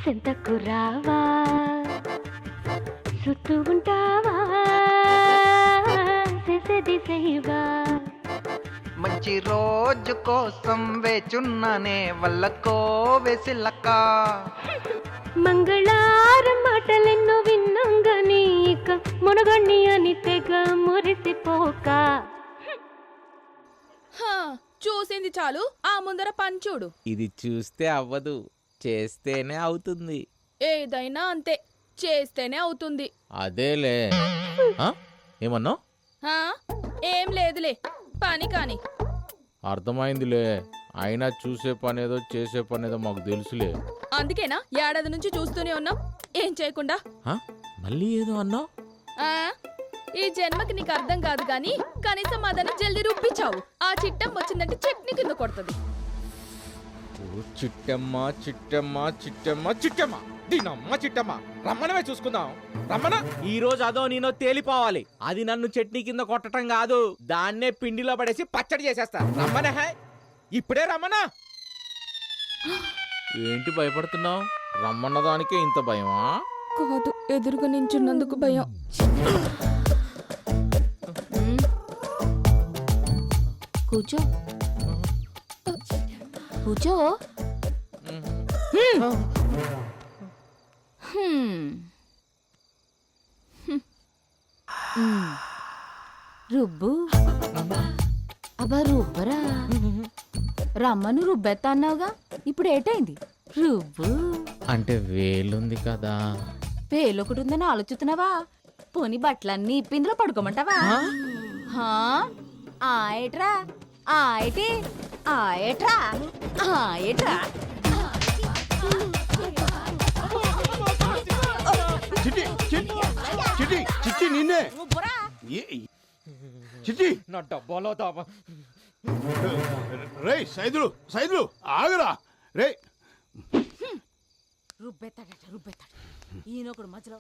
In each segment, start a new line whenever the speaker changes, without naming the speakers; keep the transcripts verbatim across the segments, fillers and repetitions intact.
సెంతకు రావా సుత్తు ఉంటావా చేసేది చేయవా
మంచి రోజు కోసం వేచున్నానే వల్లకో వెసిలక్క
మంగళారం మాటలెన్నో విన్నాం గాని ఇక మునగండి అని తెగ మురిసిపోక
చూసింది చాలు ఆ ముందర పంచుడు.
ఇది చూస్తే అవ్వదు, చేస్తేనే అవుతుంది.
ఏదైనా అంతే, చేస్తేనే అవుతుంది.
అదేలే. ఏమన్నా?
ఏం లేదులే, పని కాని.
అర్థమైందిలే. అయినా చూసే పనేదో చేసే పనేదో మాకు తెలుసులే.
అందుకేనా ఏడాది నుంచి చూస్తూనే ఉన్నాం ఏం చేయకుండా.
మళ్ళీ ఏదో అన్నా?
ఈ జన్మకి నీకు అర్థం కాదు గాని కనీసం అదన జల్దీ రుప్పించావు. ఆ చిట్టం వచ్చిందంటే చట్నీ కింద కొడుతుంది.
చిట్టమ్మ చిట్టమ్మ చిట్టమ్మ చిట్టమ్మ దీనమ్మ చిట్టమ్మ రమ్మనమే చూసుకుందాం. రమ్మన. ఈ రోజు అదో నేనో తేలిపోవాలి. అది నన్ను చట్నీ కింద కొట్టడం కాదు, దాన్నే పిండిలో పడేసి పచ్చడి చేసేస్తా. రమ్మనే. హాయ్ ఇప్పుడే రమ్మనా. ఏంటి భయపడుతున్నావు? రమ్మన్న దానికే ఇంత భయమా?
కాదు, ఎదురుగా నించున్నందుకు భయం.
కూర్చో కూర్చో. రుబ్బు. అబ్బా రుబ్బరా. రమ్మను రుబ్బెత్తా అన్నావుగా, ఇప్పుడు ఏటైంది? రుబ్బు.
అంటే వేలుంది కదా.
వేలు ఒకటి ఉందని ఆలోచిస్తున్నావా? పోని బట్టలన్నీ ఇప్పిందులో పడుకోమంటావా? ఆ ఏట్రా ఆ ఏటి ఆ ఏట్రా ఆ ఏట్రా.
చిట్టి చిట్టి చిట్టి నిన్నే చిట్టి
నా డబ్బాలో దాబా.
రే సైదులు సైదులు ఆగరా రే.
రుబ్బెత్తాడట రుబ్బెత్తాడు ఈయనొకడు మధ్యలో.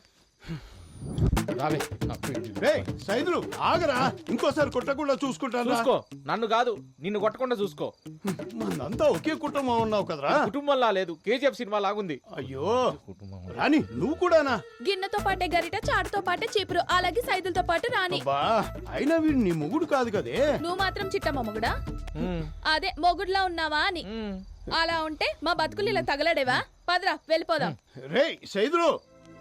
రే సైదులు ఆగరా, ఇంకోసారి కొట్టకుండా చూసుకుంటాను.
చూసుకో, నన్ను కాదు నిన్ను కొట్టకుండా చూసుకో.
మనంతా ఒకే కుటుంబం ఉన్నావు కదరా.
కుటుంబంలా లేదు, కేజీఎఫ్ సినిమా లాగుంది.
అయ్యో రాని నువ్వు కూడానా?
గిన్నెతో పాటే గరిట, చాటుతో పాటే చీపురు, అలాగే సైదులతో పాటు రాని.
అయినా వీడు నీ మొగుడు కాదు కదే.
నువ్వు మాత్రం చిట్టమ్మ మొగుడా? అదే మొగుడులా ఉన్నావా అని. అలా ఉంటే మా బతుకులు ఇలా తగలడేవా? పదరా వెళ్ళిపోదాం.
రే సైదులు.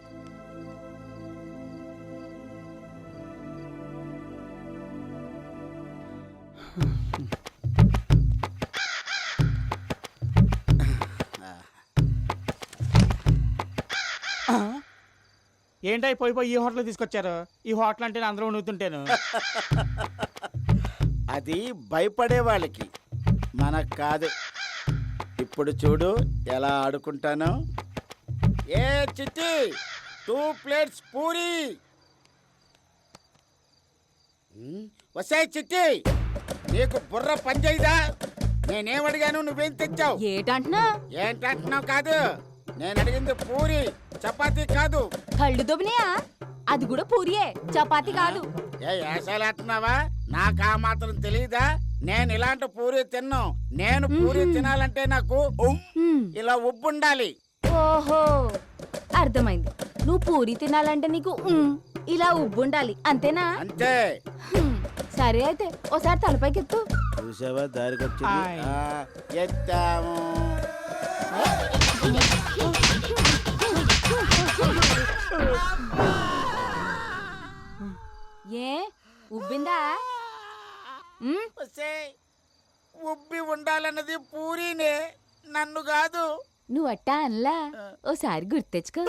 ఏంటై పోయి పోయి ఈ హోటల్ తీసుకొచ్చారు? ఈ హోటల్ అంటే అందరూ నూతుంటాను.
అది భయపడే వాళ్ళకి, మనకు కాదు. ఇప్పుడు చూడు ఎలా ఆడుకుంటాను. ఏ చిట్టి, టూ ప్లేట్స్ పూరి. వసాయి చిట్టి, నీకు బుర్ర పనిచేయదా? నేనేమడిగాను, నువ్వేం తెచ్చావు?
ఏటంటున్నా?
ఏంటంటున్నావు కాదు, నేను అడిగింది పూరి, చపాతీ కాదు.
కళ్ళు దొబ్బినాయా? అది కూడా పూరియే, చపాతీ కాదు.
ఏ ఏసాలు అంటున్నావా? నాకు ఆ మాత్రం తెలియదా? నేను ఇలాంటి పూరి తిన్నాను. నేను పూరి తినాలంటే నాకు ఇలా ఉబ్బు ఉండాలి.
ఓహో అర్థమైంది. నువ్వు పూరి తినాలంటే నీకు ఇలా ఉబ్బు ఉండాలి, అంతేనా?
అంతే.
సరే అయితే ఓసారి తలపైకి ఎత్తు.
చూసావా దారికి వచ్చింది. ఎత్తాము.
ఏ ఉబ్బిందా?
ఉబ్బి ఉండాలన్నది పూరీనే, నన్ను కాదు.
నువ్వు అట్టా అనలా, ఓసారి గుర్తు తెచ్చుకో.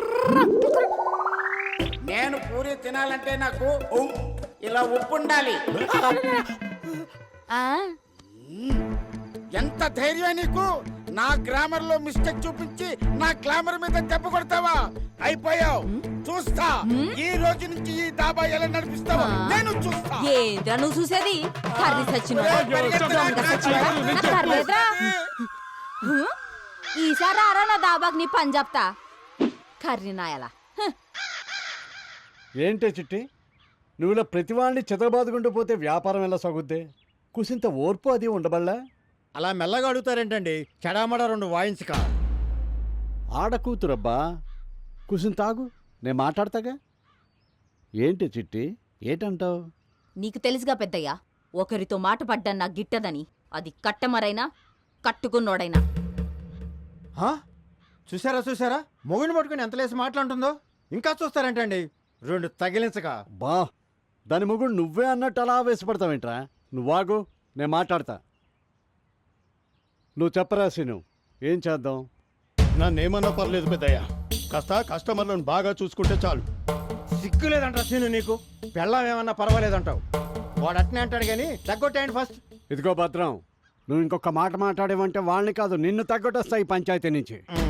నేను పూరి తినాలంటే నాకు ఇలా ఉప్పు ఉండాలి. ఎంత ధైర్యం నీకు? నా గ్రామర్ లో మిస్టేక్ చూపించి నా గ్లామర్ మీద దెబ్బ కొడతావా? అయిపోయావు. చూస్తా ఈ రోజు నుంచి ఈ దాబా ఎలా నడిపిస్తావా నేను చూస్తా.
ఏంద్రా నువ్వు చూసేది? కర్రీ సచ్చిన ఈసారి ఆరా నా దాబాకి నీ పని చెప్తా. కర్రీ నాయలా.
ఏంటే చిట్టి, నువ్వు ఇలా ప్రతి వాడిని చితకబాదుకుంటూ పోతే వ్యాపారం ఎలా సాగుద్దే? కుసింత ఓర్పు అది ఉండబల్లా?
అలా మెల్లగా అడుగుతారేంటండి? చెడామడ రెండు వాయించక.
ఆడకూతురబ్బా కూసుని తాగు నేను మాట్లాడతాగా. ఏంటి చిట్టి ఏంటంటావు?
నీకు తెలుసుగా పెద్దయ్యా, ఒకరితో మాట పడ్డా నా గిట్టదని, అది కట్టమరైనా కట్టుకున్నోడైనా.
హా? చూసారా చూసారా మొగుడిని పట్టుకుని ఎంత లేసి మాట్లాడుతుందో. ఇంకా చూస్తారంటండి రెండు తగిలించగా.
బా దాని మొగుడు నువ్వే అన్నట్టు అలా వేసిపడతావేంట్రా? నువ్వాగు నేను మాట్లాడతా. నువ్వు చెప్పరా సీను, ఏం చేద్దాం?
నన్నేమన్నా పర్లేదు పెద్దయ్య, కాస్త కస్టమర్లను బాగా చూసుకుంటే చాలు.
సిగ్గు లేదంటావు సీను నీకు. పెళ్ళం ఏమన్నా పర్వాలేదంటావు. వాడు అట్నే అంటాడు కానీ తగ్గొట్టేయండి ఫస్ట్.
ఇదిగో భద్రం, నువ్వు ఇంకొక మాట మాట్లాడేవంటే వాళ్ళని కాదు నిన్ను తగ్గొట్టేస్తాయి పంచాయతీ నుంచి.
మ్.